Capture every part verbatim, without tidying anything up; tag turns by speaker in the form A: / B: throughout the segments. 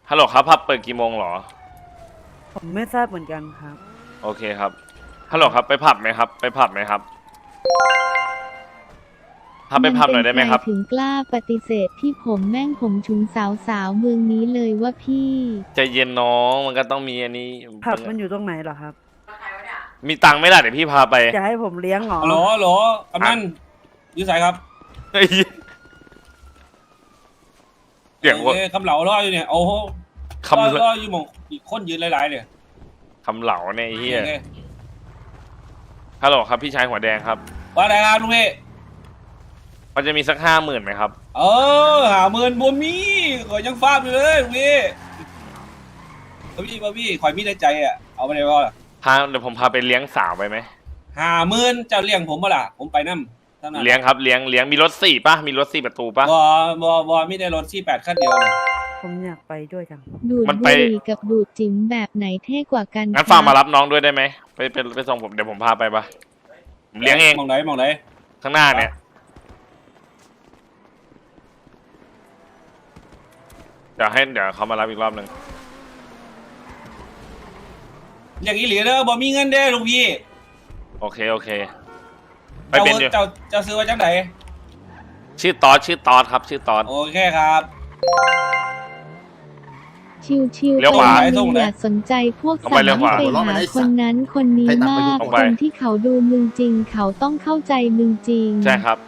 A: ฮัลโหลครับผับเปิดกี่โมงหรอ
B: ผมไม่ทราบเหมือนกันครับ
A: โอเคครับฮัลโหลครับไปผับไหมครับไปผับไหมครับพาไปผับหน่อยได้ไหมครับ
C: ถึงกล้าปฏิเสธที่ผมแม่งผมชุงสาวสาวเมืองนี้เลยว่าพี่
A: ใจเย็นน้องมันก็ต้องมีอันนี้
B: ผับมันอยู่ตรงไหนเหรอครับ
A: มีตังค์ไม่ได้เดี๋ยวพี่พาไป
B: จะให้ผมเลี้ยงหรอ
D: ฮัลโหลฮัลโหลกำนันยืดสายครับ
A: เสียงคน
D: คำเหลารออยู่เนี่ยโอ้โหคำรออยู่มองอีกคนยืนหลายๆเนี่ย
A: คำเหลาเนี่ยไอ้เหี้ยฮัลโหลครับพี่ชายหัวแดงครับ
D: ว่าอะไรครับลุงพี่
A: มันจะมีสักห้าหมื่นไหมครับ
D: เออหาหมื่นบัวมีข่อยยังฟาดอยู่เลยลุงพี่บัวพี่บัวพี่ข่อยมีในใจอ่ะเอาไปเลยว่า
A: พาเดี๋ยวผมพาไปเลี้ยงสาวไปไหม
D: หาหมื่นเจ้าเลี้ยงผมเปล่าผมไปนั่ม
A: เลี้ยงครับเลี้ยงเลี้ยงมีรถสี่ป่ะมีรถสี่ประตูป่ะ
D: บอบอบอมีได้รถสี่แปดขั้นเดียว
B: ผมอยากไปด้วยจัง
C: ดูดบุหรี่กับดูดจิ๋มแบบไหนเท่กว่ากัน
A: งั้นฝากมารับน้องด้วยได้ไหมไปไปไปส่งผมเดี๋ยวผมพาไปปะผมเลี้ยงเอง
D: มองไหนมองไหน
A: ข้างหน้าเนี่ยเดี๋ยวให้เดี๋ยวเขามารับอีกรอบหนึ่ง
D: อย่างนี้เหลือเด้อบอมีเงินเด้ลุงพี่
A: โอเคโอเค
D: ไปเป็นเจ้าเจ้าซื้อมาจากไหน
A: ชื่อตอสชื่อตอสครับชื่อตอส
D: โอเคครับ
C: ชิวชิว
A: เลี้ยวขวา
C: อย่าสนใจพวกสาวที่ไปหาคนนั้นคนนี้มากคนที่เขาดูมึงจริงเขาต้องเข้าใจมึงจริง
A: ใช่ครับ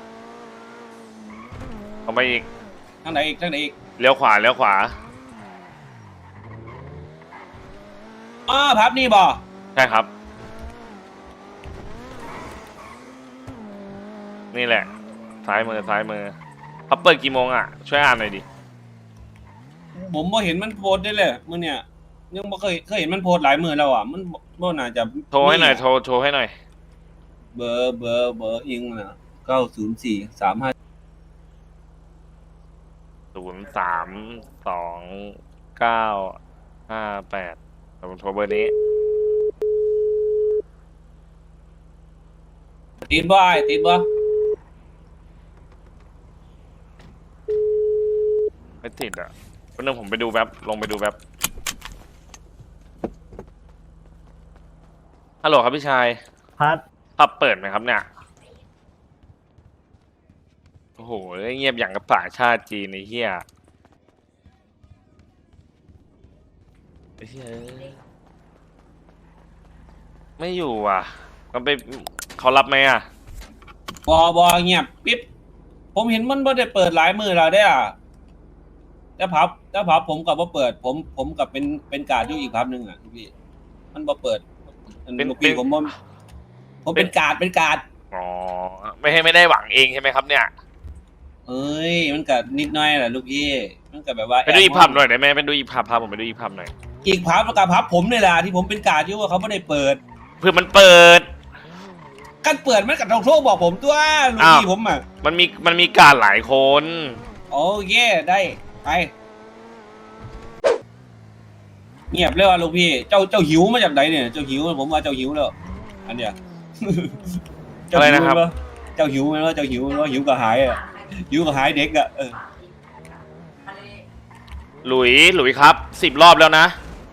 A: เอาไปอีก
D: ทางไหนอีกทางไหนอีก
A: เลี้ยวขวาเลี้ยวขวา
D: อ๋อพับนี่บ่
A: ใช่ครับนี่แหละซ้ายมือซ้ายมือเขาเปิดกี่โมงอ่ะช่วยอ่านหน่อยดิ
D: ผมบ่เห็นมันโพสได้เลยมื่อเนี่ยยังบ่เคยเคยเห็นมันโพสหลายมือแล้วอ่ะมันบ่น่าจะ
A: โทรให้หน่อยโทรโทรให้หน่อย
D: เบอร์เบอร์เบอร์อิงนะเก้าศูนย์สี่สามห้า
A: ศูนย์สามสองเก้าห้าแปดผมโทรเบอร์นี้
D: ติดบ่ไอ้ติดบ่
A: ไม่ติดอ่ะวันนึงผมไปดูแว็บลงไปดูแว็บฮัลโหลครับพี่ชาย
E: พัด
A: พับเปิดไหมครับเนี่ยโอ้โหเงียบอย่างกับป่าชาติจีนไอ้เหี้ยไอ้เหี้ยไม่อยู่อ่ะมันไปเขารับไหมอ่ะ
D: บอบอเงียบปิ๊บผมเห็นมันบ่ได้เปิดหลายมือแล้วได้อ่ะแต่พับแต่พับผมกับว่าเปิดผมผมกับเป็นเป็นการอยู่อีกพับหนึ่งอ่ะพี่มันบ่เปิดเป็นปีผมผมผมเป็นการเป็นการ
A: อ๋อไม่ให้ไม่ได้หวังเองใช่ไหมครับเนี่ย
D: เอ้ยมันก็นิดหน่อยแหละลูกพี่มันก็แบบว่า
A: ไปดูอีกพับหน่อยได้ไหมไปดูอีกพับพาผมไปดูอีกพับหน่อย
D: อีกพับกับพับผมเนี่ยแหละที่ผมเป็นการอยู่ว่าเขาไม่ได้เปิด
A: เพื่อมันเปิด
D: การเปิดมันกับทองโชคบอกผมตัวลูกพี่ผมอ่ะ
A: มันมีมันมีการหลายคน
D: โอเคได้ไปเงียบเลยว่ะลูกพี่เจ้าเจ้าหิวมาจากไหนเนี่ยเจ้าหิวผมว่าเจ้าหิวแล้วอันเนี้ย
A: อะไรนะครับ
D: เจ้าหิวไหมว่าเจ้าหิวไหมว่าหิวก็หายอ่ะหิวก็หายเด็กอ่ะเออ
A: หลุยหลุยครับสิบรอบแล้วนะ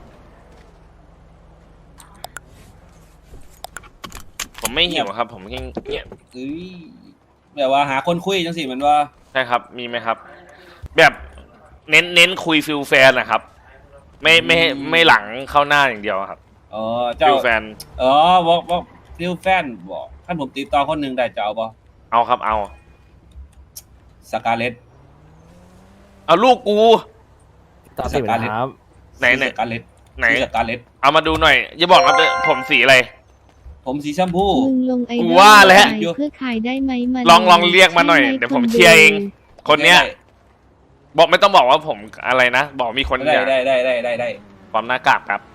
A: ผมไม่หิวครับผมแค่เงียบ
D: เอ้ยแบบว่าหาคนคุยจังสิมันว่า
A: ใช่ครับมีไหมครับแบบเน้นเน้นคุยฟิลแฟนนะครับไม่ไม่ไม่หลังเข้าหน้าอย่างเดียวครับ
D: อ๋อเจ้า
A: ฟิลแฟน
D: อ๋อบอกบอกฟิลแฟนบอกท่านผมติดต่อคนหนึ่งได้จะเอาป่ะ
A: เอาครับเอา
D: สกาเลต
A: เอาลูกกู
E: สกาเลตครับ
A: ไหนไหน
D: สกาเลต
A: ไหน
D: สกาเลต
A: เอามาดูหน่อยอย่าบอกนะผมสีอะไร
D: ผมสีชมพู
C: มึงลงไอดอล
A: ว่าแล้ว
C: เพื่อขายได้ไหม
A: ลองลองเรียกมาหน่อยเดี๋ยวผมเชียร์เองคนเนี้ยบอกไม่ต้องบอกว่าผมอะไรนะบอกมีคน
D: ได้ได้ได้ได้ได้ได้
A: ความหน้ากากครับ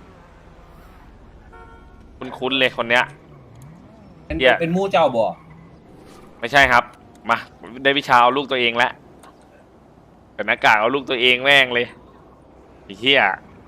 A: คุณคุ้นเลยคนเนี้ย
D: เป็นเป็นมู่เจ้าบ่
A: ไม่ใช่ครับมาได้วิชาเอาลูกตัวเองแล้วแต่หน้ากากเอาลูกตัวเองแม่งเลยไอ้เหี้ย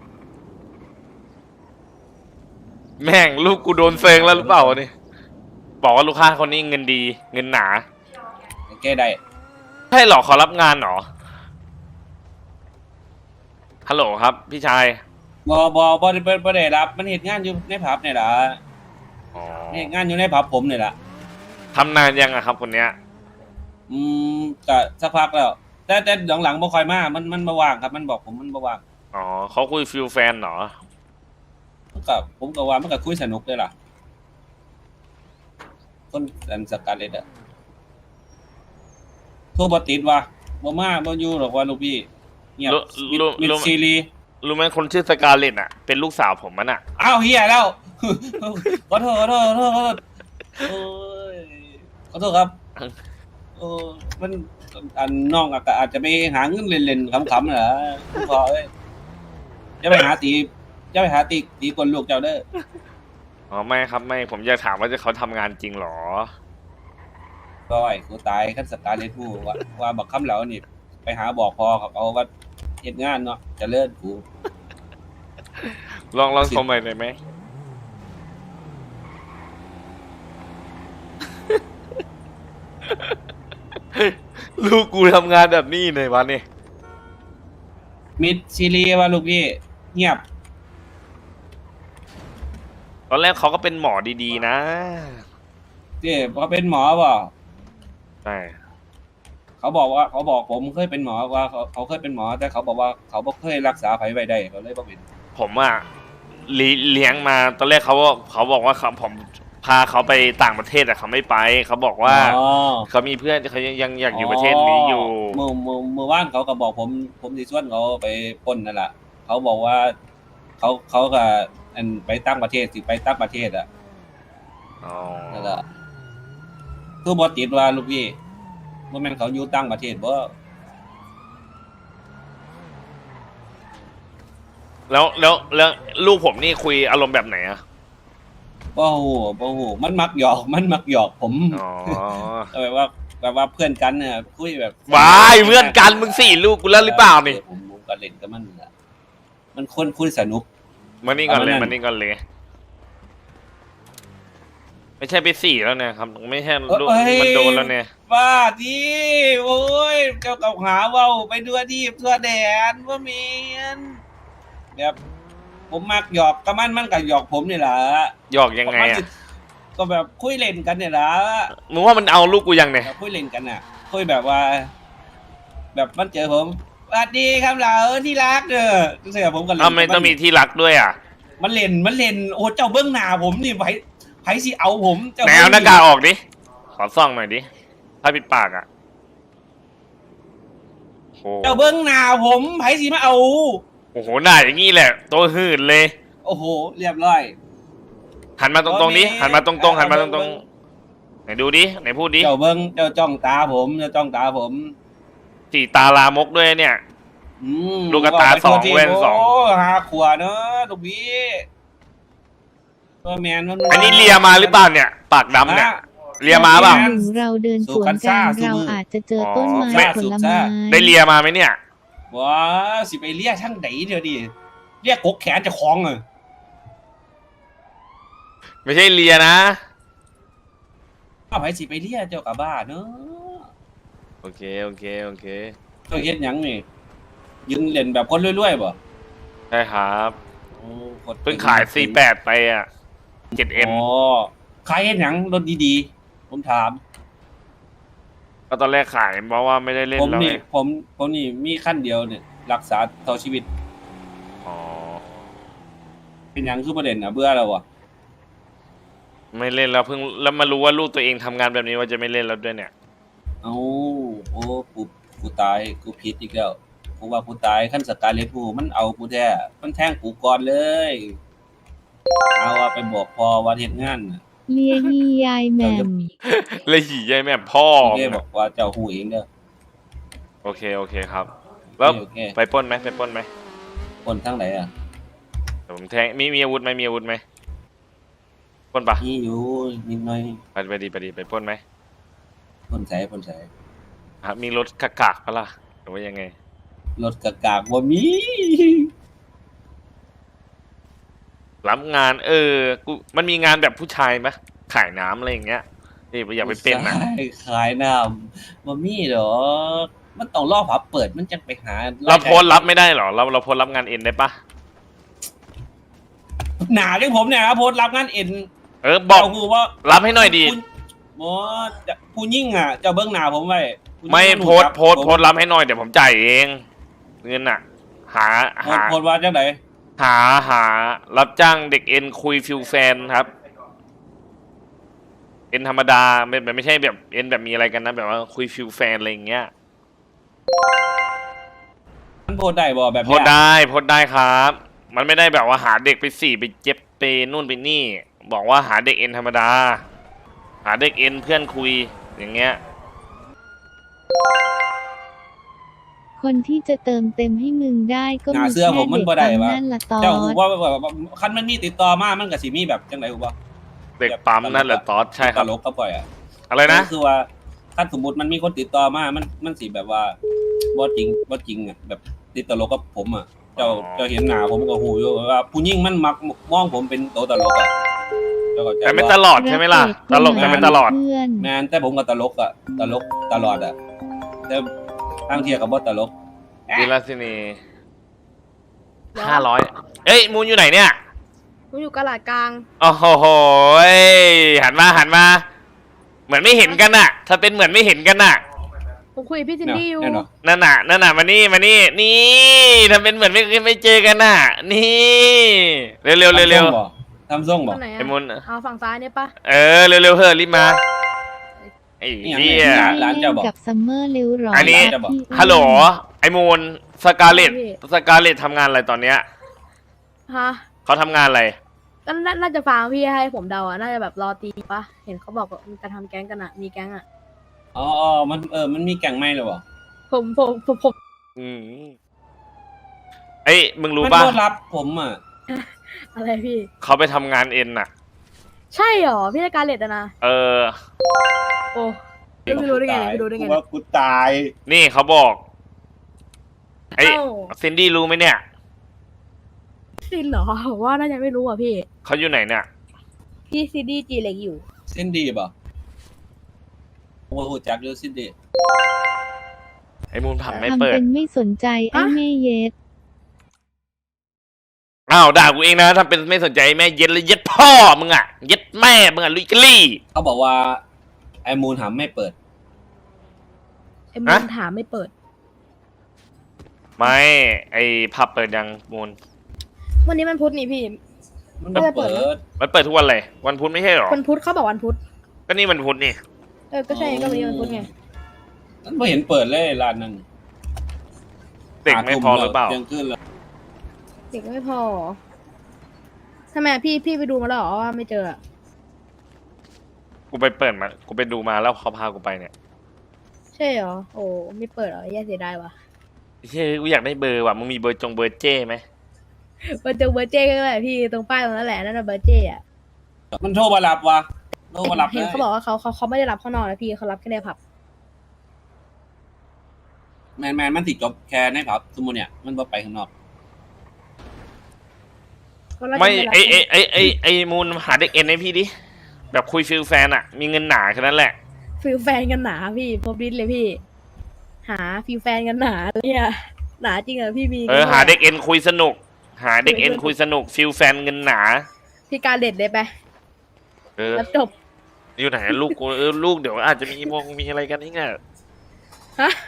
A: แม่งลูกกูโดนเซิงแล้วหรือเปล่าเนี่ยบอกว่าลูกค้าคนนี้เงินดีเงินหนา
D: แกได้
A: ใช่หรอขอรับงานหรอฮัลโหลครับ พี่ชาย
D: บอบอบอได้บ่ได้รับมันเหตุงานอยู่ในผับเนี่ยล่ะ
A: อ๋อ
D: เหตุงานอยู่ในผับผมเนี่ยล่ะ
A: ทำนานยังอะครับคนเนี้ย
D: อืมก็สักพักแล้ว แต่แต่หลังๆบ่ค่อยมามันมันบ่ว่างครับมันบอกผมมันบ่ว่าง
A: อ๋อเขาคุยฟิลแฟนเหรอ
D: มันก็ผมก็ว่ามันก็คุยสนุกเลยล่ะคนอันสกัดเลยอ่ะโทรบ่ติดว่ะบ่มาบ่อยู่หรอกว่าลูกพี่เงียบ
A: รู้
D: มิด
A: รู้
D: มิดซีรีส์
A: รู้ไหมคนชื่อสกาเลตอะเป็นลูกสาวผมมันอะ
D: อ้าวเฮียแล้ว ขอโทษขอโทษขอโทษขอโทษโอ้ยขอโทษครับโอ้มันอันน้องอะก็อาจจะไปหาเงินเล่นๆขำๆเหรอคุณพ่อเอ้ยจะไปหาตีจะไปหาตีตีคนลูกเจ้าเด้อ
A: อ๋อไม่ครับไม่ผมอยากถามว่าจะเขาทำงานจริงเหรอ
D: ก้อยกูตายขั้นสตาร์เลทูว่าว่าบักคำเหล่านี่ไปหาบอกพอเขาเอาว่าเฮ็ดงานเนาะเจะเลิศกู
A: ลองลองชมหน่อยได้ไหม ลูกกูทำงานแบบนี้ในวันนี้
D: มิดซีรีส์ว่าลูกพี่เงียบ
A: ตอนแรกเขาก็เป็นหมอดีๆนะ
D: เจ้พอเป็นหมอเปล่า
A: ใช่
D: เขาบอกว่าเขาบอกผมเคยเป็นหมอว่าเขาเขาเคยเป็นหมอ แต่เขาบอกว่าเขาบ่เคยรักษาไผไว้ได้เขาเลยบ่เป็น
A: ผมอะเลี้เลี้ยงมาตอนแรกเขาว่าเขาบอกว่าเขาผมพาเขาไปต่างประเทศแต่เขาไม่ไป เขาบอกว่า
D: อ๋อ
A: เขามีเพื่อนเขายังยังอยากอยู่ประเทศนี้อยู่
D: เมื่อเมื่อเมื่อวานเขาก็บอกผม ผมสิชวนเขาไปปล้นนั่นแหละเขาบอกว่า เขาเขาก็อันไปตั้งประเทศสิไปตั้งประเทศอ่ะ
A: อ๋อ
D: นั่นแหละคือบ่ติดว่าลูกพี่บ่แม่นเขาอยู่ตั้งประเทศบ่
A: แล้วแล้วแล้วลูกผมนี่คุยอารมณ์แบบไหนอะ
D: บ่ฮู้บ่ฮู้มันมักหยอก มันมักหยอกผม
A: อ๋อ
D: แบบว่าแบบว่าเพื่อนกันเนี่ยคุยแบบ
A: วายเพื่อนกันมึงสี่ลูกกูแล้วหรือเปล่านี่
D: ผมผมก็เล่นกับมันนั่นแหละมันคนคุยสนุก
A: มานี่ก่อนเลย
D: เอามานั่น
A: มานี่ก่อนเลย ไม่ใช่ไปสี่แล้วเนี่ยครับ ไม่ใช่ลูก
D: เอ้ย
A: มันโดนแล้วเนี่ย
D: บ้าดิโอ้ยเจ้ากับหาเว้าไปทั่วที่ทั่วแดนว่าเมียนแบบผมมักหยอกกับมันมันก็หยอกผมนี่แหละ
A: หยอกยังไง
D: มัน
A: อะ
D: สิก็แบบคุยเล่นกันเนี่ยแหละ
A: มึงว่ามันเอาลูกกูยังเนี่ย
D: แบบคุยเล่นกันน่ะคุยแบบว่า แบบมันเจอผมสวัสดีครับเราที่รักเด้อเสียผมก็เล่น
A: ทำไมต้องมีที่รักด้วยอ่ะ
D: มันเล่นมันเล่นโอ้เจ้าเบื้องหน้าผมนี่ไผไผสิเอาผมเจ้า
A: ไหนเอาหน้ากากออกดิ ขอซ่องหน่อยดิ ถ้าปิดปากอ่ะโอ้
D: เจ้าเบื้องหน้าผมไผสิมาเอา
A: โอ้โหหน้าอย่างงี้แหละ ตัวหื่นเลย
D: โอ้โหเรียบร้อย
A: หันมาตรงๆนี้ หันมาตรงๆ หันมาตรงๆ ไหนดูดิ ไหนพูดดิ
D: เจ้าเบิ้งเจ้าจ้องตาผมเจ้าจ้องตาผม
A: สีตาลามกด้วยเนี่ย
D: อืม
A: ลูกกระตาสองแว่นสอง
D: โอ้หาขวเนอะลูกพี่ตัวแมนมัน
A: อันนี้เลียมาหรือเปล่าเนี่ย ปากดำเนี่ย เลียมาเปล่า
C: หรือเราเดินสวนกันเราอาจจะเจอต้นไม้ผลไม้
A: ได้เลียมาไหมเนี่ย
D: ว้าสิไปเรียกช่างไหนเดี๋ยวดิเรียกกกแขนจะคล้องเลย
A: ไม่ใช่เลียนะ
D: อ้าวไผสิไปเรียกเจ้ากับบ้าเนอะ
A: โอเค โอเค โอเค
D: เจ้าเฮ็ดหยังนี่ยืนเล่นแบบคนรวยๆบ่
A: ใช่ครับ
D: โอ้โคตร
A: เพิ่งขายสี่แปดไปอ่ะเจ็ดเอ็ม
D: อ๋อขายเฮ็ดหยังรถดีๆผมถาม
A: ก็ตอนแรกขายเพราะว่าไม่ได้เล่น
D: ผม
A: แล้ว
D: นี่
A: ไง
D: ผมผมนี่มีขั้นเดียวเนี่ยรักษาต่อชีวิต
A: อ๋อ
D: เป็นหยังคือประเด็นนะเบื่อแล้ววะ
A: ไม่เล่นแล้วเพิ่งแล้วมารู้ว่าลูกตัวเองทำงานแบบนี้ว่าจะไม่เล่นแล้วด้วยเนี่ย
D: เอ้าโอ้กูกูตายกูผิดอีกแล้วกูว่ากูตายขั้นสกาเลทูมันเอากูแท้มันแทงกูก่อนเลยเอาว่าไปบอกพอว่าเฮ็ดงานน่ะ
C: เลียฮียายแหม่ม
A: เลยหี่ยายแม่พ่อ
D: โอเคบอกว่าเจ้าหูเองเด้อ
A: โอเคโอเคครับ แล้ว
D: โอเค
A: ไปปล้นไหมไปปล้นไหม
D: คนทั้งไหนอ่ะ
A: เดี๋ยวผมแทงมีมีอาวุธไหมมีอาวุธไหมปล้นปะ
D: นี่อยู่นิดหน่อย
A: ไปไปดีไปดีไปปล้นไหม
D: คนใส่คนใส่
A: ครับมีรถกากๆปะล่ะหรือว่ายังไง
D: รถกะกากบ่มี
A: รับงานเออกูมันมีงานแบบผู้ชายไหมขายน้ำอะไรอย่างเงี้ยนี่อยากไปเป็นนะ
D: ขายขายน้ำบ่มีดอกมันต้องรอผับเปิดมันจะไปหา
A: เราโพสต์รับไม่ได้เหรอเราเราโพสต์รับงานเอ็นได้ปะ
D: หนาเรื่องผมเนี่ยครับโพสต์รับงานเอ็น
A: เออบอก
D: เจ้ากูว่า
A: รับให้หน่อยดี
D: คุณหมอจะผู้ยิ่งอ่ะเจ้าเบิ้งหนาผมไว้ผู้ยิ่ง
A: ไม่
D: น
A: โพสต์
D: ครับ
A: โพสต์
D: ผม
A: โพสต์รับให้หน่อยเดี๋ยวผมจ่ายเองเงินอ่ะ หา
D: โพส
A: หา
D: ต์โพสต์ว่าจังไหน
A: หาหารับจ้างเด็กเอ็นคุยฟิวแฟนครับเอ็นธรรมดาไม่แบบไม่ใช่แบบเอ็นแบบมีอะไรกันนะแบบว่าคุยฟิวแฟนอะไรอย่างเงี้ย
D: มันโพสต์ได้บ่แบบ
A: โพสต์ได้โพสต์ได้ครับ มันไม่ได้แบบว่าหาเด็กไปสี่ไปเจ็บไปนู่นไปนี่ บอกว่าหาเด็กเอ็นธรรมดา หาเด็กเอ็นเพื่อนคุยอย่างเงี้ย
C: คนที่จะเติมเต็มให้มึงได้ก็
D: หนา
C: มี
D: เสื้อ
C: แค่
D: ผมมัน
C: เด็ก
D: บ่ได้
C: ปั๊ม
D: วะ
C: นั่นละตอ
D: เจ้ากู
C: ด
D: ว่าแบบคันมันมีติดต่อมามันก็สิมีแบบจังไหนกูว่า
A: เด็กปั๊มนั่นแหละตอดใช่ค
D: ต
A: รับ
D: ลกก็ปล่อยอ่ะ
A: อะไรนะ
D: คือว่าถ้าสมมติมันมีคนติดต่อมา มันมันสิแบบว่าบ่จริงบ่จริงอ่ะแบบติดตลกกับผมอ่ะ เจ้า
A: อ๋อ
D: เจ้าเห็นหน้าผมก็หูอยู่ว่าผู้หญิงมันมักมองผมเป็นตัวตลกอ่ะเจ้าเข้าใจ
A: แต่ไม่
D: บ่
A: ตลอดใช่ไหมล่ะ ตลกแต่ไม่ตลอด
C: เพื่อน
D: แมนแต่ผมก็ตลกอ่ะตลกตลอดอ่ะแต่ทางเทียกับบ่ตลก
A: วิลาสินีห้าร้อยเอ้ยมูนอยู่ไหนเนี่ย
F: ผมอยู่กะหลาดกลาง
A: โอ้โหยหันมาหันมา เหมือนไม่เห็นกันน่ะ ถ้าเป็นเหมือนไม่เห็นกันน่ะ
F: ผมคุยกับพี่ซินดี้อยู่
D: แน่นอน
A: นั่นน่ะนั่นน่ะมานี่มานี่นี่ทำเป็นเหมือนไม่ไม่เจอกันน่ะ นี่เร็วเร็วเร็วเร็ว
D: ทำส่งบ่
F: ตรงไหน
A: ไอ้
F: อะ
A: มูน
F: เอาฝั่งซ้ายเนี่ยปะ
A: เออเร็วเร็วเฮ้ยรีบมาไอ้
D: นี่
A: เหี้
D: ไง
A: ย
D: ร้านเจ้าบอก
C: กับซัมเมอร์เร็วหรอ
A: อั
C: อั
A: นนี้ ฮัลโหลไอ้มูนสกาเลตสกาเลตทำงานอะไรตอนเนี้ย
F: ฮะ
A: เขาทำงานอะไร
F: ก็น่าน่าจะฟังพี่ให้ผมเดาอะน่าจะแบบรอตีปะเห็นเขาบอกว่ามีการทำแก๊งกันอะมีแก๊งอะ
D: อ๋ออ๋อมันเออมันมีแก่งไม้หรือเปล่า
F: ผมผมผมผม
A: อืมไอ้ยมึงรู้
D: มัน
A: ป่ะ
D: บ่รับผมอ่ะ
F: อะไรพี่
A: เขาไปทำงานเอ็นน่ะ
F: ใช่หรอพี่ในการเลดอะนะ
A: เออ
F: โอ้ไม่รู้ได้ไงเนี่ยไม่รู้ได้ไง
D: กู
F: เนี่ย
D: ว่ากูตาย
A: นี่เขาบอก ไอ้
F: เอ้า
A: ซินดี้รู้ไหมเนี่ย
F: ซินเหรอผมว่าน่าจะไม่รู้อ่ะพี่
A: เขาอยู่ไหนเนี่ย
F: พี่ซินดี้จีเล็กอยู่
D: เส้นดีป่ะผมว่าหูจักอยู่เส้นดี
A: ไอ้มูลผับไม่
C: ทำ
A: เปิด
C: เป็นไม่สนใจไอ้แม่เย็ด
A: อ้าวด่ากูเองนะถ้าเป็นไม่สนใจแม่เย็ดเลยเย็ดพ่อมึงอ่ะ เย็ดแม่มึงอ่ะลุยกลี่
D: เขาบอกว่าไอ้มูลหำไม่เปิด
F: เอ็มนถามไม่เปิด
A: ไม่ ไอ้ผับเปิดยังมูล
F: วันนี้มันพุธนี่พี่
D: มันไม่
F: ไม่ได้เปิ
D: เปิ
F: ด
D: ด
A: มันเปิดทุกวันเลย วันพุธไม่ใช่หรอ
F: วันพุธเขาบอกวันพุธ
A: ก็นี่วันพุธนี่
F: เออก็ใช่ก็วันนี้วันพุธไง
D: มันไม่เห็นเปิดเลยร้านนั้น
A: เด็กไม่พอหรือเปล่า
D: เที่ยงคืนแล้ว
F: เด็กไม่พอทำไมพี่พี่ไปดูมาแล้วเหรอว่าไม่เจออะ
A: กูไปเปิดมา กูไปดูมาแล้วเขาพากูไปเนี่ย
F: ใช่เหรอโอ้ไม่เปิดเหรอแย่เสียดายว่ะ
A: เฮ้ยกูอยากได้เบอร์ว่ะ มึงมีเบอร์จงเบอร์เจ้ไหม
F: เบอร์เจอเบอร์เจ้ก็แหละพี่ตรงป้ายตรงนั้นแหละนั่นน่ะเบอร์เจ้อะ
D: มันโทรมารับวะโทรมารับ
F: เห็น
D: เลย
F: เขาบอกว่าเขาเขาเขาไม่ได้รับข้างนอกนะพี่เขารับแค่ในผับ
D: แมนแมนมันติดจบแค่ในผับสมมุติเนี่ยมันบ่ไปข้างนอก
F: เขาน่าจะ
A: ไม่
F: รับ
A: ไอไอไอไอไอมูลหาเด็กเอ็นให้พี่ดิ แบบคุยฟิลแฟนอะมีเงินหนาแค่นั้นแหละ
F: ฟิลแฟนกันหนาพี่พบดิสเลยพี่ หาฟิลแฟนกันหนาเนี่ยหนาจริงเหรอพี่มี
A: เออหาเด็กเอ็นคุยสนุก หาเด็กเอ็นคุยสนุกฟิลแฟนเงินหนา
F: พี่การเด็ดเลยไป
A: เออ
F: แล้วจบ
A: อยู่ไหนอะลูกกูเออลูกเดี๋ยวอาจจะมีมงมีอะไรกันนี่ไง
F: ฮะ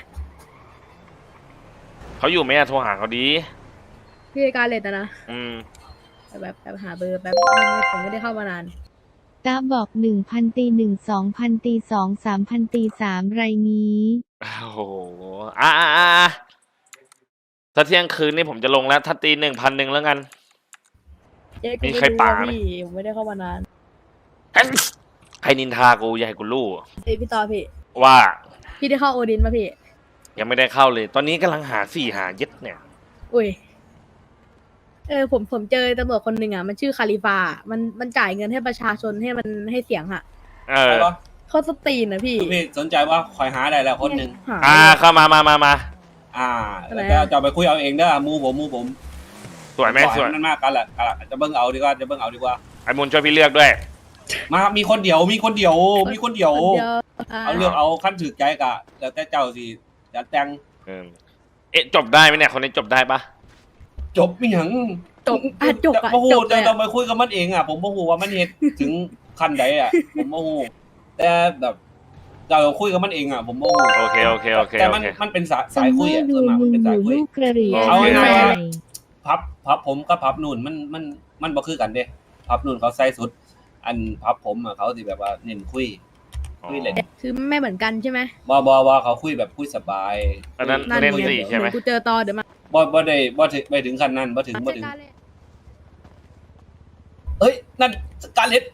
A: เขาอยู่ไหมอะโทรหาเขาดี
F: พี่การเด็ดนะนะ
A: อืม
F: แบบแบบหาเบอร์แบบไม่ไม่ผมไม่ได้เข้ามานาน
C: ตาบอกหนึ่งพันตีหนึ่งสองพันตีสองสามพันตีสามไรนี้
A: โอ้โหอ่ะอ่ะอ่ะอ่ะถ้าเที่ยงคืนนี่ผมจะลงแล้ว ถ้าตีหนึ่งพันหนึ่งแล้วกัน
F: เจ๊กู
A: มี
F: ไม่
A: ใคร
F: รู้
A: ป่า
F: อะ
A: ไหม
F: พี่ผมไม่ได้เข้ามานาน
A: ใครนินทากูอย่าให้กูรู้
F: เอ้ยพี่ต่อพี่
A: ว่า
F: พี่ได้เข้าโอดินป่ะพี่
A: ยังไม่ได้เข้าเลย ตอนนี้กำลังหาสี่หาเย็ดเนี่ย
F: อุ้ย เออผมผมเจอตำรวจคนหนึ่งอ่ะมันชื่อคาลิฟา มันมันจ่ายเงินให้ประชาชนให้มันให้เสียงอ่ะ
A: เออ
D: ใช่ปะ
F: เขาสตรีนนะพี่
D: พี่สนใจว่าคอยหาได้แล้วคนหนึ่ง
F: หา
A: อ่าเข้ามามามามา
D: อ่า
F: อะไร
D: แล้ว
F: อะ
D: จะจะไปคุยเอาเองเด้อมูผมมูผม
A: สวยไหมสวย
D: นั่นมากกันแหละกันแหละจะเบิ้งเอาดีกว่าจะเบิ้งเอาดีกว่า
A: ไอ้มูลช่วยพี่เลือกด้วย
D: มามีคนเดียวมีคนเดียวมีคนเดียว
F: คนเดียวอ่า
D: เอาเลือกเอาขั้นถือใจกะแล้วแต่เจ้าสิจัดแต่ง
A: เออเอ๊ะจบได้ไหมเนี่ยคนนี้จบได้ปะ
D: จบไม่หยัง
F: จบอ่ะจบอ่ะ
D: โอ้โห
F: จบเล
D: แต่
F: ย
D: ต้อง
F: อะ
D: ไปคุยกับมันเองอ่ะผมโมโหว่ามันเหตุถึงขั้นใดอ่ะผมโมโหแต่แบบเราคุยกับมันเองอ่ะผมโมโห
A: โอเคโอเคโอเค
D: แต่
A: โอ
D: มัน
A: เค
D: มันเป็นสาย
C: ซั
D: สาย
C: มเม
D: คุ
C: อย
D: อ่ะ
C: ร์ดู
D: ส่วนมาก
C: มึ
D: มัน
C: ง
D: เป็น
C: อ
D: สาย
C: ยู่
D: คุย
C: ลูกกระเหรี่ยง
D: เอาง่ายๆว่า
C: ใส่
D: พับพับผมกับพับนู่นมันมันมันบ่คือกันเด้พับนู่นเขาใส่สุด อันพับผมอ่ะเขาสิแบบว่าเน้นคุยคุยเล่น
F: คือไม่เหมือนกันใช่ไหม
D: บ่บ่บ่เขาคุยแบบคุยสบาย
A: อันนั้น
F: นั่น
A: เล่น
F: ไง
A: สี่ใช่ไหม
F: เดี๋ยวกูเจอต่อเดี๋ยวมา
D: บ่บ่ได้บ่ถึงไปถึงขั้นนั้นบ่ถึงบ่ถึง
F: จัดการเลย
D: เอ้ยนั่นการเล็ด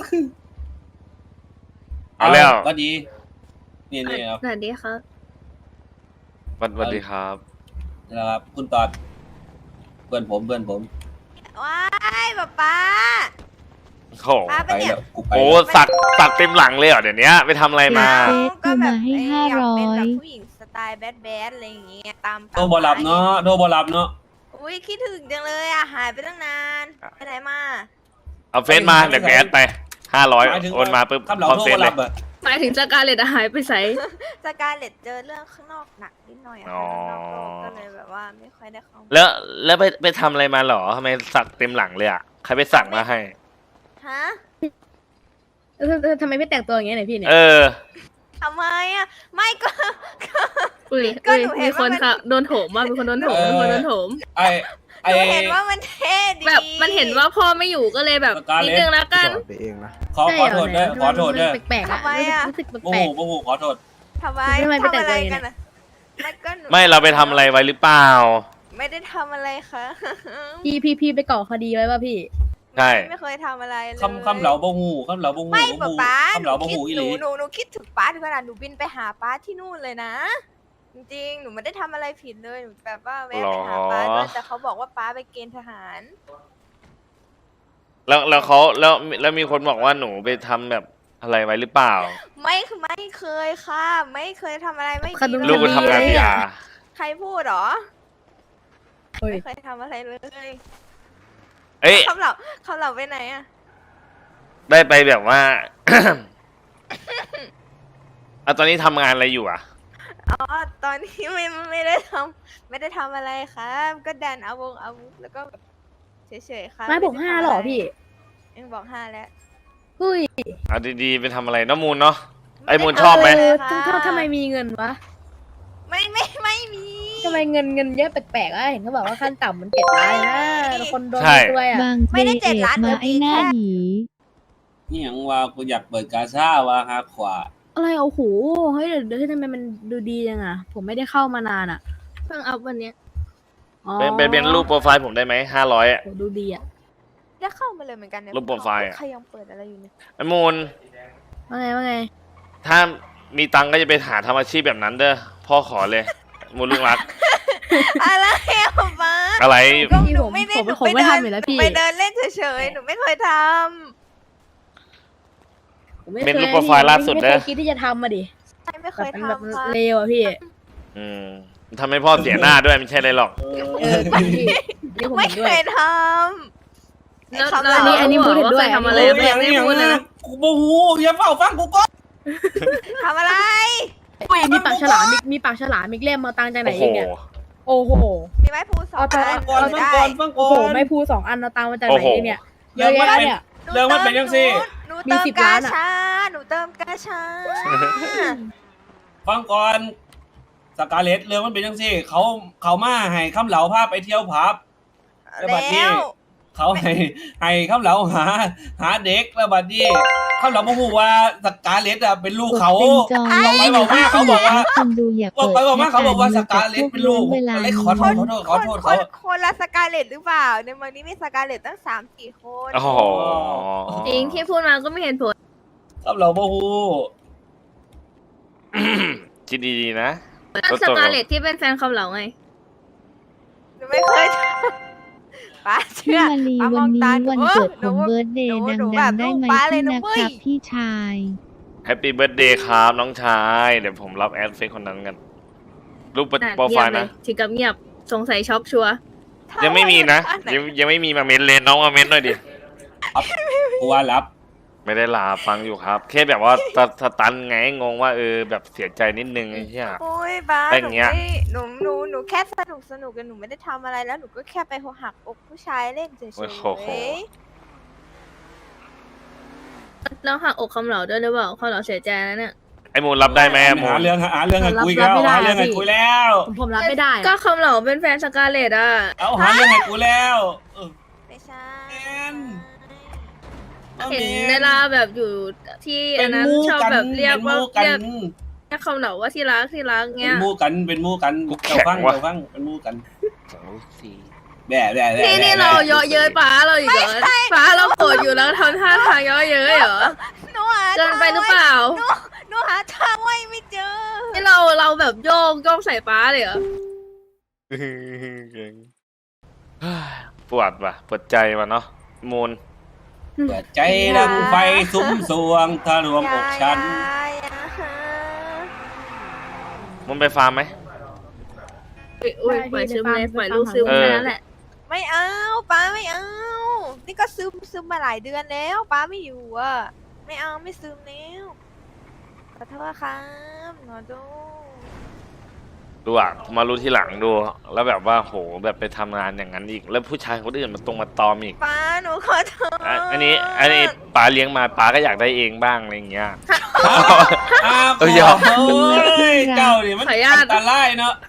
A: เอาแล้ว
D: ก็ดีนี่นี่ครับ
G: สวัสดีครับ
A: สวัสสวัสดีครับ
D: นะครับคุณตอดเพื่อนผมเพื่อนผม
G: ว้ายป๊าป๊า
A: โอ้
G: ป๊า
D: ไป
G: เป็นเนี่ย
D: แล้วกูไป
A: โอ้
D: แล้ว
A: สักสักเต็มหลังเลยเหรอเดี๋ยวนี้ไปทำอะไรมา
C: เฟซกูมาให้
G: เอ้ย
C: ห้า
G: อยาก
C: ร้อ
G: เป็นแบ
C: ย
G: บผู้หญิงสไตล์แบดแบดอะไรอย่างเงี้ยตาม
D: โทรบอรับเนาะโทรบอรับเนาะ
G: อุ้ยคิดถึงจังเลยอ่ะหายไปตั้งนานไปไหนมา
A: เอาเฟซมาเดี๋ยวแกแอดไปห้าร้อย
D: หมายถึง
A: โอนมาปุ๊บ
D: คำเหล่า
A: พร้อม
D: โทร
A: เฟ
D: บ
A: ซ
D: อ
A: เล
D: รั
A: ย
D: บอะ
F: หมายถึงสกาเลตหายไปใส่
G: สกาเลตเจอเรื่องข้างนอกหนักนิดหน่อยอะ
A: อ๋อ
G: ข้างนอกโลกก็เลยแบบว่าไม่ค่อยได้เข้ามา
A: แล้วแล้วไปไปทำอะไรมาเหรอทำไมสักเต็มหลังเลยอ่ะใครไปสั่งมาให้
G: ฮะ
F: เออเออทำไมไม่แต่งตัวอย่างเงี้ยเนี่ยพี่เนี่ย
A: เออ
G: ทำไมอ่ะไม่ก็
F: อุ้ย
G: ก็
F: อุ้ย
G: หนูเห็น
F: มีคน
G: ว่ามัน
F: ค่ะโดนโถมว่ามีคนโดนโถมมีคนโดนโถม
D: ไอ
G: ห
D: ไอ
G: นูเห็นว่ามันเท่ดี
F: แบบมันเห็นว่าพ่อไม่อยู่ก็เลยแบบ
D: สกาเลต
F: นิดนึงแล้วกัน
E: ไปเองนะ
D: ขอขอโทษด้วยขอโทษด้วย
F: แปลกๆอะรู้สึก
D: โม
F: แปล
D: โห
F: ก
D: โมโหขอโทษ
G: ทำไม
F: ทำไมไปแต่ง
G: ทำอะไร
F: ตัวอย่าง
G: กั
F: เงี้
G: น
F: ย
G: อะไม่ก็หนู
A: ไม่เราไปทำอะไรไว้หรือเปล่า
G: ไม่ได้ทำอะไรค่ะ
F: ๆพี่พี่พี่ไปก่อคดีไว้ป่ะพี่
A: ใช่
G: ไม่เคยทำอะไรเลย
D: คำคำเหล่าบ่หูคำเหล่าบ่หู
G: ไม่
D: บ่
G: ป๊า
D: หู
G: ป๊า
D: คำเหล่าบ่หู
G: ห
D: อีห
G: นู
D: ลี
G: หนูหนูคิดถึงป้าถึงขนาดหนูบินไปหาป้าที่นู่นเลยนะ จริงๆ หนูไม่ได้ทำอะไรผิดเลยหนูแบบว่าแวะไปหาป้าด้วยแต่เขาบอกว่าป้าไปเกณฑ์ทหาร
A: แล้วแล้วเขาแล้วแล้วมีคนบอกว่าหนูไปทำแบบอะไรไว้หรือเปล่า
G: ไม่ไม่เคยค่ะ ไม่เคยทำอะไรไม่
F: ค
G: ดี
F: ดี
G: เลย
A: ลูกกูทำงานพีอาร์
G: ใครพูดเหรอ
F: เฮ้ย
G: ไม่เคยทำอะไรเลย
A: เอ้ย
G: คำเหล่าคำเหล่าไปไหนอะ
A: ได้ไปแบบว่า อ่ะตอนนี้ทำงานอะไรอยู่อ่ะ
G: อ๋อตอนนี้ไม่ไม่ได้ทำไม่ได้ทำอะไรครับก็ดันเอาวงอาวุธแล้วก็แบบเฉยๆค่ะ
F: ไม่บอกห้าหรอพี่
G: ยังบอกห้าแล้ว
F: เฮ้ย
A: อ่ะดีๆไปทำอะไรน้ำมูลเนาะ ไอ้มูลชอบไหม
F: เออทำทำไมมีเงินวะ
G: ไม่ไม่ไม่มี
F: ทำไมเงินเงินเยอะแปลกๆอ่ะเห็นเขาบอกว่าขั้นต่ำมันเจ็ดล้านนะแล้วคนโดน
A: ใช่
F: ด้วยอ่ะ
C: บาง
G: ไม่
C: เจ
G: ได้
C: เอ
G: เจ็ดล้าน
C: กมาไอ้หน้าหยี
D: นี่หยังว่ากูอยากเปิดกาชาว่าฮาขวา
F: อะไรโอ้โหเฮ้ยเดี๋ยวเดี๋ยวทำไมมันดูดีจังอ่ะ ผมไม่ได้เข้ามานานอ่ะ เพิ่งอัพวันเนี้ยอ๋อ
A: เป็นเป็นเป็นรูปโปรไฟล์ผมได้ไหมห้าร้อยอ่ะ
F: โหดูดีอ่ะ
G: แล้วเข้ามาเลยเหมือนกันเนี่ย
A: รูปโปรไฟล์อะ
G: ใครยังเปิดอะไรอยู่เนี่ย
A: ไอ้มูล
F: ว่าไงว่าไง
A: ถ้ามีตังค์ก็จะไปหาทำอาชีพแบบนั้นเด้อ พ่อขอเลย มูลลุงรัก
G: อะไรอะป๊า
A: อะไร
G: ก็
F: พี่
G: หนู
F: ผม
G: ไม่ได้
F: ผม
G: หนู
F: ผม
G: ไป
F: ไม่
G: เดิน
F: ทำอยู่แล้วพี่
G: ไปเดินเล่นเฉยๆหนูไม่เคยท
F: ผมไม่
A: เป็น
F: คย
A: รูปโปรไฟล์ล่าสุด
F: ไม่
A: เด้
F: เค
A: อ
F: ยคิดที่จะทำมาดิ
G: ำใช่ไม่เค
F: แบบ
G: ย
F: มันแบบ
G: ทำค่ะ
F: เลวอ่ะพี่
A: อืมทำให้พ่อเสียหน้าด้วยไม่ใช่อะไรหรอก
F: เออจริงพี่นี่ผม
G: ไม่
F: เห็นด้
G: เค
F: วย
G: ยทำ
F: แล้ว
G: คำ
F: แล้วอันนี้อันนี้พูดเห็นด้วย
G: ทำ
F: ทำ
G: อะ
F: อะไร ไร
D: โอ้ยอย่างนี้อย่างนี้กูบ่หูอย่าเฝ้าฟังกูก่อน
G: ทำอะไร
F: อุ้ยมีปากฉลามมีมีปากฉลามมีเล่มมาตังค์จากไหน
A: โอ้โห
F: อีกเนี่ยโอ้โห
G: มีไม้พูสอง
F: เอาไป
G: อัน
D: ก่อนฟัง
G: ได้
D: ก่อนฟังก่
F: โอ้
D: อ
F: โห
D: น
F: ไม่พูสองอันเอาตังค์มาจากไห
A: โอ้
F: น
A: โห
F: อีกเนี่ยเย
D: เรื่อ
F: อะ
D: งมัน
F: แยะ
D: เป็น
F: เนี่ย
G: ห
D: เรื่องมันเป็นยังสิ
G: หนู
F: มี
G: เติม
F: สิบ
G: กา
F: ล้านอะ
G: ชาหนูเติมกาชา
D: ฟังก่อนสกาเลตเรื่องมันเป็นยังสิเขาเขามาให้คำเหล่าพาไปเที่ยวผับ แล้วบัดนี้
G: แล้ว
D: เขาให้ให้คำเหล่าหา หาเด็กแล้วบัดนี้คำเหล่าบ่ฮู้ว่าสกาเลตอะเป็นลูกเขา
C: เป็นจอ
D: บอกไปบอกมาเขาบอกว่า
C: คนดูอย่า
D: บอก
C: เปิด
D: ไปบอกมาเขาบอกว่าส
C: แค่
D: กาเลตเป็นลูก
C: เวลา
D: เลยขอโทษขอโทษขอโทษ
G: ค
D: เขา
G: นคนละสกาเลตหรือเปล่า ในเมืองนี้มีสกาเลตตั้งสามสี่คน
A: โอ้โห
F: จริงที่พูดมาก็ไม่เห็นผล
D: คำเหล่าบ่ฮู้
A: คิดดีๆนะ
F: ก็สกาเลตที่เป็นแฟนคำเหล่าไง
G: หนูไม่เคยทำป้า
C: พี่
G: เชื่อ
C: มาลี
G: ป้าม
C: วั
G: อน ง
C: นี้
G: ตา
C: วัน
G: หนู
C: เกิด
G: ห
C: ผ
G: นู
C: มเบิร์ดเดย์
G: หนู
C: ดั
G: หนู
C: ง
G: แบบ
C: ๆได้ไหม
G: ลูกป๊าเลย
C: พี่
G: นะ
C: นะ
G: เว้
C: ค
G: ย
C: รับพี่ชาย
A: แฮปปี้เบิร์ดเดย์ครับน้องชาย เดี๋ยวผมรับแอดเฟซคนนั้นกัน รูปโปรไฟล์นะ
F: ถึงกับเงียบสงสัยช็อกชัว
A: ยังไม่มีนะ ยังยังไม่มีมาเม้นเลยน้องมาเม้นหน่อยดิ
D: กูว่ารับ
A: ไม่ได้ลาฟังอยู่ครับ แค่แบบว่าสสตันไงงงว่าเออแบบเสียใจนิดนึงไอ้เหี้ย
G: โอ้ยบ้า
A: เป็น
G: หนู
A: เงี้ย
G: ไม่หนูหนูหนูแค่สนุกสนุกกันหนูไม่ได้ทำอะไรแล้วหนูก็แค่ไปหักอกผู้ชายเล่นเฉย
A: โอ้โห
G: ๆ
F: แล้วหักอกคำเหล่าด้วยหรือเปล่าคำเหล่าเสียใจนะเนี่ย
A: ไอ้มูลรับได้ไหมไอ้มู
D: หา
A: ล
D: เรื่องหาเรื่องให้คุยแล้ว
F: รับไม่ได้
D: หาเรื่องให้
F: พี่
D: คุยแล้ว
F: ผมผมรับไม่ได้ก็คำเหล่าเป็นแฟนสกาเลตอ่ะ
D: เอาหาเรื่องให้กูแล้วเออ
G: ไม่ใช่
D: แอน อา
F: เห็น
D: แม
F: เวลาแบบอยู่ที่
D: เป็
F: อั
D: น
F: นนั้น
D: มู่
F: ชอบ
D: กัน
F: แบบเรียก
D: เป็น
F: ว่า
D: มู่กั
F: เรียก
D: น
F: เรียกคำเหล่าว่าที่รักที่รัก
D: เป็
F: เงี้
D: น
F: ย
D: มู่กันเป็นมู่กัน
A: กูแข็
D: เจ้าง ฟัง
A: ว่ะ
D: เจ้าฟังเป็นมู่กัน
A: สองสี่
D: แบ่แบ่แบ่
F: นี่นี่
D: แบ่
F: เราเยาะเย้ยป้าเราอีกเหรอป้าเราโกรธอยู่แล้วทำท่าทางเยาะเย้ยเหรอ
G: หนูหา
F: เกินไปหรือเปล่า
G: หนูหนูหาทางไว้ไม่เจอ
F: นี่เราเราแบบโยกโยกใส่ป้าเลยเหรอ
A: ปวดว่ะปวดใจว่ะเนาะมูล
D: เปิดใจดังไฟซุ้มสวงทะลวงอกฉัน
G: อย่าอย่าหา
A: มูลไปฟาร์มไหม
F: อุ้ยปล่อยซึมเลยปล่อยลูกซึม
A: เออ
F: แค่นั้นแหละ
G: ไม่เอาป้าไม่เอา นี่ก็ซึมซึมมาหลายเดือนแล้วป้าไม่อยู่อ่ะ ไม่เอาไม่ซึมแล้วขอโทษครับหนอดู
A: ดูอ่ะมารู้ทีหลังดู แล้วแบบว่าโหแบบไปทำงานอย่างนั้นอีก แล้วผู้ชายคนอื่นมาตรงมาตอมอีก
G: ป้าหนูขอโทษ
A: อ่ะอันนี้อันนี้ป๋าเลี้ยงมาป๋าก็อยากได้เองบ้างอะไรอย่างเงี้ย
D: อ้าว
A: เออหยอก
D: โอ้ยเจ้านี่มันอันตรายเนาะ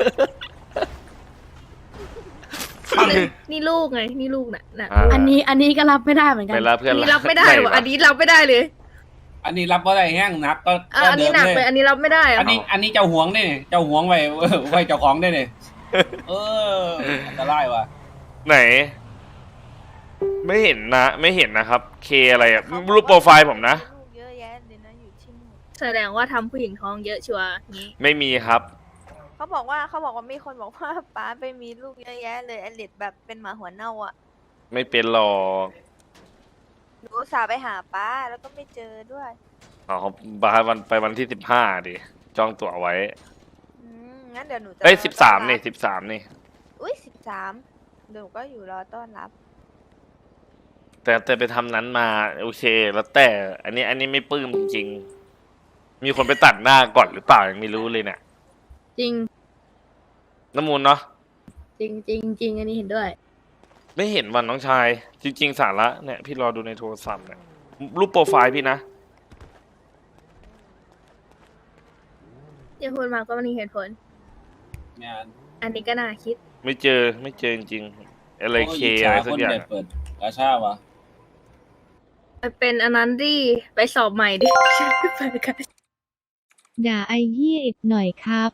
F: นี่ลูกไงนี่ลูกน่ะน่ะ
A: อ่า
B: อันนี้อันนี้ก็รับไม่ได้เหมือนกั
A: เวน ลาเพื่อน
F: อันนี้รับไม่ได้
A: หน
F: ว่ะ
A: วะ
F: อันนี้รับไม่ได้เลย
D: อันนี้รับว่าได้แห้งหนักก็
F: อ่ะ
D: ก็
F: อัน
D: เดิ
F: นี้
D: ม
F: หนัก
D: เล
F: เลย
D: ย
F: อันนี้รับไม่ได้อะ
D: อันนี้อันนี้เจ้าหวงได้เนี่ยเจ้าหวงไว้ไว้เจ้าของได้เนี่ยเอออันตรายว่ะ
A: ไหน ไม่เห็นนะ ไม่เห็นนะครับ เคอะไรอ่ะรูปโปรไฟล์ผมนะ
G: ลูกเยอะแยะเลยนะอยู่ที่นู่น
F: แสดงว่าทำผู้หญิงท้องเยอะชัวร์งี้
A: ไม่มีครับ
G: เขาบอกว่าเขาบอกว่ามีคนบอกว่าป้าไปมีลูกเยอะแยะเลยไอเล็ดแบบเป็นหมาหัวเน่าอ่ะ
A: ไม่เป็นหรอก
G: หนูอุตส่าห์ไปหาป้าแล้วก็ไม่เจอด้วย
A: อ๋อบาวันไปวันที่สิบห้าดิ จองตั๋วไว้
G: อืมงั้นเดี๋ยวหนูจะ
A: เอ้ย
G: รอ
A: สิบสาม
G: ต้อ
A: นี่
G: รับ
A: สิบสามนี่
G: อุ้ยสิบสามเดี๋ยวหนูก็อยู่รอต้อนรับ
A: แต่แต่ไปทำนั้นมา โอเค แล้วแต่ อันนี้ อันนี้ไม่ปลื้มจริงๆ มีคนไปตัดหน้าก่อนหรือเปล่ายังไม่รู้เลยเนี่ย
F: จริง
A: น้ำมูลเนาะ
F: จริงจริงจริงอันนี้เห็นด้วย
A: ไม่เห็นวันน้องชาย จริง ๆ สาระเนี่ย พี่รอดูในโทรศัพท์เนี่ยรูปโปรไฟล์พี่นะ
F: ที่พูดมาก็ไมมีเหตุผล
D: งาน
F: อันนี้ก็น่าคิด
A: ไม่เจอไม่เจอจริงๆอะไรเค
D: โย
A: อะไร
D: จฉ
A: สัก
D: คน
A: อย่าง
D: เด็ดเปิดกาชาวะ
F: ไปเป็นอันนั้นดิไปสอบใหม่ดิฉันก็ไปกัน
C: ด่าไอ้เหี้ยอีกหน่อยครับ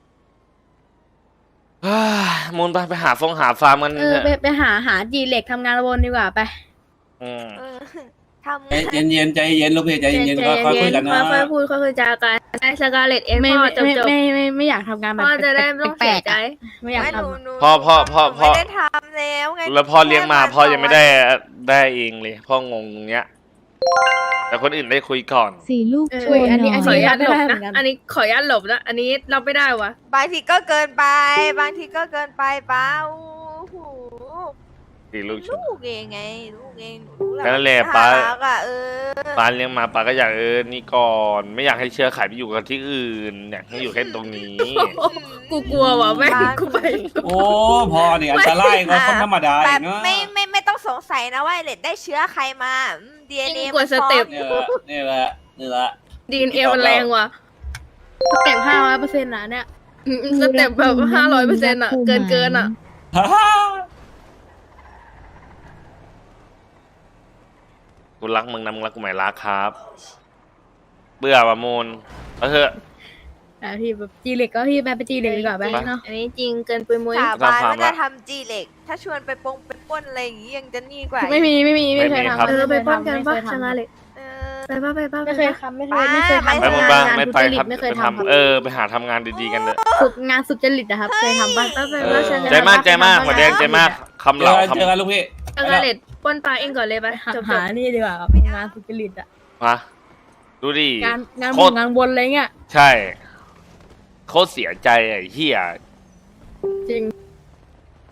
A: อ่ามูลไปไปหาฟงหาฟาร์มกัน
F: เออ
A: เถอะ
F: ไปไปหาหาจีเล็กทำงานวนดีกว่าไป
A: อืม
G: เออทำ
D: ใจเย็นเย็นๆใจเย็นลูกพี่ใจเย็นๆก็ค่อยคุยกันนะ
F: ค่อยๆพูดค่อยๆจากันไอ้สกาเลตเอ็น
B: ไม่
F: พ่อ
B: ไม่
F: จบ
B: ไม่
F: จบ
B: ไม่ไม่ไม่อยากทำงานแบบ
F: พ่อจะได้ไม่ต้อง
B: แป
F: เสี
B: ล
F: ย
B: กๆ
F: ใจ
B: อะไม่อยาก
G: ไม่ห
B: ทำ
G: นู
B: อะ
G: หนู
A: พ่อพ่อพ่อ
G: หนู
A: พ่อ
G: ไม่ได้ทำแล้วไง
A: แล้วพ่อเลี้ยงมา
G: แค่
A: พ่อยังไม่ได้
G: วัน
A: ได้เองเลยพ่องงเงี้ย แต่คนอื่นได้คุยก่อน
C: สี่ลูก
F: เออ
C: โชว์ห
B: อันนี้
C: น่
B: อัน
F: ขออ
B: นี้
F: นุญา
B: รั
F: ต
B: บ
F: ห
B: ไม่
F: ลบ
B: ได้เหมื
F: นะ
B: อนกัน
F: อันนี้ขออนุญาตหลบนะ อันนี้รับไม่ได้วะ
G: บางทีก็เกินไป บางทีก็เกินไปป้าโอ้โห
A: สี่ลูกชุด
G: ลูกเองไงลูกเองหนูรู้แหละ
A: ก็นั่นแหละ
G: มั
A: ป้า
G: น่รักอะเออ
A: ป้าเลี้ยงมาป้าก็อยากเออนี่ก่อน ไม่อยากให้เชื้อไขไปอยู่กับที่อื่นอยากให้อยู่แค่ตรงนี้
F: กูกลัวว่ะแม่งกูไป
D: โอ้พอนี่อันตรายกว่าคนธรรมดา
G: แบ
D: อี
G: บ
D: กเนาะ
G: ไม่ไม่ไม่ต้องสงสัยนะว่าไอ้เล็ดได้เชื้อใครมาดีเอ็นเอ
F: ยิ่งกว่าสเต็ป
D: เนี่ยแหละนี่แหละ
F: ดีเอ็นเอมันแรงว่ะ
B: สเต็ปห้าร้อยเปอร์เซ็นต์นะเนี่ย
F: อืมสเต็ปแบบห้าร้อยเปอร์เซ็นต์อ่ะ เกินเกินอ่ะ
D: ฮ่าฮ่า
A: กูรักมึงนะมึงรักกูไหมรักครับ เบื่อประมูลเอาเถอะ
B: แต่พี่แบบจีเล็กก็พี่ไปไปจีเล็กดีกว่าไป
A: ไป
B: เนาะ
F: อันนี้จริงเกินปุยมุ้ย
G: สาบาน
A: ทำความ
G: ว่าจะ
A: ละ
G: ทำจีเหล็ก ถ้าชวนไปปงไปปล้นอะไรอย่างงี้ยังจะนี่กว่า
B: ไม่มีไม่มีไม่เคย
A: ไม่มีครับ
B: ทำ
F: เออไป
B: ม่คย
F: ป้อนกัน
B: ทำ
F: ปะ
B: ไม่เคย
F: ช
B: ทำ
F: นะเลย
G: เออ
F: ไปปะไปปะ
B: ไม่เคย
F: ปะ
B: ทำไม่เคยไม่เคยทำ
A: ไปมึงบ้างไม่ไป
B: ง
A: ครับ
B: ไม่เคย
A: ไป
B: ทำครับ
A: ทำเออไปหาทำงานดีๆกันเถอะ
B: ฝึกงานสุจริตอะครับเคยทำปะ
F: ไปไป
A: เอ
F: ปะ
A: อ
F: ชนะ
A: ใจมากใจมากหัวแดงใจมากคำ
D: เจ
A: เหล่า
D: อกัน
A: คำ
D: เจอกันลูกพี่
F: สกาเลตปล้นปลาเองก่อนเลยไป
B: หา
F: จบ
B: หานี่ดีกว่าครับงานสุจริตอะ
A: มาดูดิ
B: งานงาน
A: โค
B: บุ
A: ต
B: ญ
A: รง
B: านวนอะไรเงี้ย
A: ใช่โคตรเสียใจไอ้เหี้ย
B: จริง